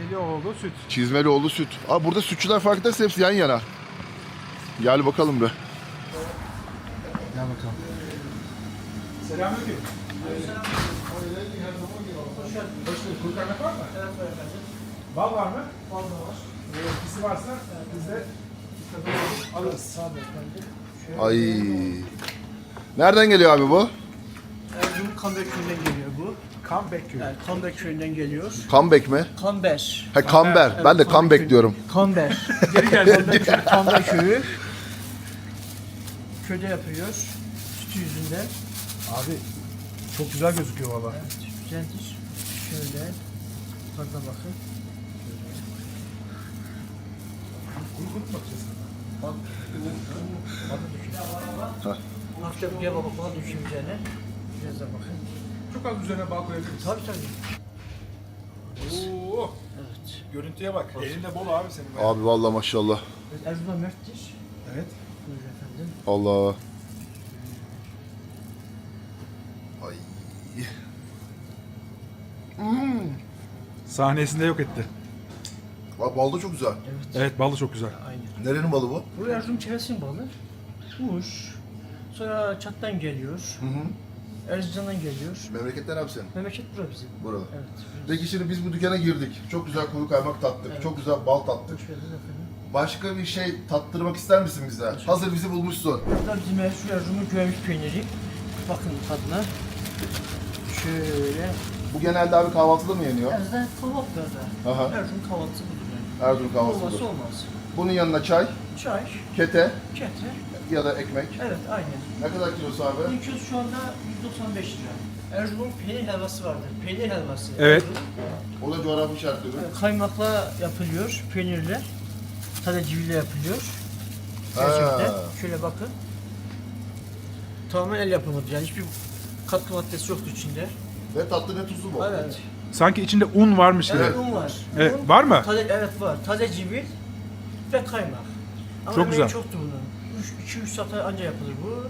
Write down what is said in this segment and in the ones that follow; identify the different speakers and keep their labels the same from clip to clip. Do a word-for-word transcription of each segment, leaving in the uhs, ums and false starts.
Speaker 1: Çizmelioğlu süt.
Speaker 2: Çizmelioğlu süt. Abi burada sütçüler farkındaysa hepsi yan yana. Gel bakalım be.
Speaker 1: Gel bakalım. Selamünaleyküm. Hoş geldin. Kuru kaymak var mı? Evet var efendim. Bal var mı? Bal da var. Etkisi varsa biz de alırız. Sağ olun efendim.
Speaker 2: Ay. Nereden geliyor abi bu?
Speaker 3: Erzurum Kamber köyünden geliyor bu.
Speaker 1: Comeback köyü.
Speaker 3: Yani Kamber köyünden geliyor.
Speaker 2: Comeback mi?
Speaker 3: Kamber.
Speaker 2: He Kamber.
Speaker 3: Evet,
Speaker 2: Ben de
Speaker 3: Kamber
Speaker 2: comeback
Speaker 3: köyü.
Speaker 2: diyorum.
Speaker 3: Kamber.
Speaker 1: Geri geldi.
Speaker 3: Kamber köyü. Kamber köyü. Köyde yapıyor. Sütü yüzünden.
Speaker 1: Abi çok güzel gözüküyor valla.
Speaker 3: Evet, güzeldir. Şöyle. Tadına bakın.
Speaker 1: Kuru kuru mu bakacağız?
Speaker 3: Bak. Tadı dökülüyor. Hafifçe bir baba falan dökeyim üzerine. Biraz da bakın.
Speaker 1: Çok az üzerine bal koyabiliriz.
Speaker 3: Tabii tabii.
Speaker 1: Oo.
Speaker 3: Evet.
Speaker 1: Görüntüye bak. Elinde bol abi senin.
Speaker 2: Abi vallahi maşallah.
Speaker 3: Evet, Erzurum'da merttir.
Speaker 1: Evet.
Speaker 3: Buyurun efendim.
Speaker 2: Allah. Ay.
Speaker 1: Sahnesinde yok etti.
Speaker 2: Abi bal da çok güzel.
Speaker 3: Evet.
Speaker 1: Evet balı çok güzel.
Speaker 3: Aynen.
Speaker 2: Nerenin balı bu?
Speaker 3: Bu Erzurum çevresinin balı. Muş. Sonra Çat'tan geliyor.
Speaker 2: Hı hı.
Speaker 3: Erzincan'dan geliyor.
Speaker 2: Memleketten abi senin.
Speaker 3: Memleket bura bizim.
Speaker 2: Burada.
Speaker 3: Evet.
Speaker 2: Peki şimdi biz bu dükkana girdik. Çok güzel kuru kaymak tattık.
Speaker 3: Evet.
Speaker 2: Çok güzel bal tattık.
Speaker 3: Hoş geldiniz efendim.
Speaker 2: Başka bir şey tattırmak ister misin bize? Hazır bizi bulmuşsun.
Speaker 3: Burada bizim Erzurum, Erzurum'un güvenlik peyniri. Bakın tadına. Şöyle.
Speaker 2: Bu genelde abi kahvaltıda mı yeniyor?
Speaker 3: Erzurum'da kahvaltılarda.
Speaker 2: Aha.
Speaker 3: Erzurum kahvaltısı budur yani.
Speaker 2: Erzurum kahvaltısı.
Speaker 3: Olmazsa olmaz.
Speaker 2: Bunun yanına çay,
Speaker 3: Çay,
Speaker 2: kete
Speaker 3: kete.
Speaker 2: ya da ekmek.
Speaker 3: Evet aynen.
Speaker 2: Ne kadar kilosu abi?
Speaker 3: Bunun kilosu şu anda yüz doksan beş lira. Erzurum peynir helvası vardır. Peynir helvası.
Speaker 1: Evet.
Speaker 3: Erzurum.
Speaker 2: O da coğrafi işaretleri.
Speaker 3: Evet, kaymakla yapılıyor, peynirle. Taze civiyle yapılıyor. Gerçekten.
Speaker 2: Ha.
Speaker 3: Şöyle bakın. Tamamen el yapımıdır. Yani hiçbir katkı maddesi yoktu içinde.
Speaker 2: Ve tatlı ne tuzlu mu?
Speaker 3: Evet.
Speaker 1: Sanki içinde un varmış gibi.
Speaker 3: Evet, un var.
Speaker 1: Evet,
Speaker 3: Un,
Speaker 1: var mı?
Speaker 3: Taze, evet var. Taze civil ve kaymak. Ama
Speaker 1: Çok
Speaker 3: emeği
Speaker 1: güzel.
Speaker 3: çoktu bunun. iki üç saate anca yapılır bu.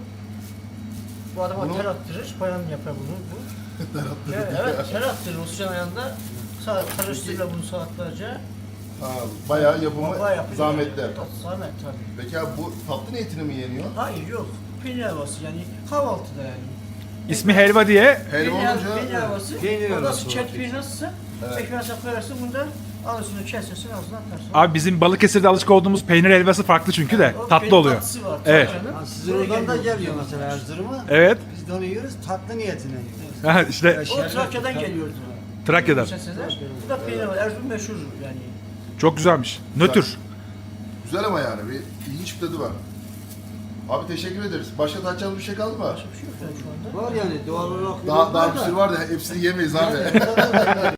Speaker 3: Bu adama
Speaker 2: Bunu-
Speaker 3: ter attırır, bayan yapar bunu. Bu. evet, evet, ter attırır o sıcağın ayağında. Saat, karıştırırlar bunu saatlerce.
Speaker 2: Ha, bayağı yapımı
Speaker 3: Bayağı yapıyor.
Speaker 2: zahmetli.
Speaker 3: Zahmet tabii.
Speaker 2: Peki abi bu tatlı niyetine mi yeniyor?
Speaker 3: Hayır yok. Peynir helvası yani kahvaltıda yani.
Speaker 1: İsmi helva diye.
Speaker 2: Helva
Speaker 3: Peynir,
Speaker 2: olunca...
Speaker 3: peynir helvası.
Speaker 4: Peynir
Speaker 3: Nasıl
Speaker 4: helvası
Speaker 3: çet peynir nasılsa
Speaker 2: Evet.
Speaker 3: ekmeğe koyarsın bundan alırsın kesersin ağzına atarsın.
Speaker 1: Abi bizim Balıkesir'de alışık olduğumuz peynir helvası farklı çünkü de.
Speaker 3: O
Speaker 1: Tatlı
Speaker 3: peynir
Speaker 1: oluyor.
Speaker 3: tatlısı var,
Speaker 1: Evet.
Speaker 3: tabii canım.
Speaker 4: Ha, sizin
Speaker 3: Buraya
Speaker 4: oradan da
Speaker 3: geliyor.
Speaker 4: geliyor mesela Erzurum'a.
Speaker 1: Evet.
Speaker 4: Biz de onu yiyoruz tatlı niyetine yiyoruz.
Speaker 1: Ha, işte
Speaker 3: O Trakya'dan geliyordu.
Speaker 1: Trakya'dan.
Speaker 3: Geçen sene. Bu da peynir var. Erzurum meşhur yani.
Speaker 1: Çok güzelmiş. Nötr.
Speaker 2: Güzel ama yani bir ilginç bir tadı var. Abi teşekkür ederiz. Başka tatacağımız bir şey kaldı mı?
Speaker 3: Bir şey yok yani şu anda.
Speaker 4: Var yani doğal olarak.
Speaker 2: Daha, daha
Speaker 4: var
Speaker 2: bir
Speaker 4: da.
Speaker 2: sürü var da hepsini yemeyiz abi.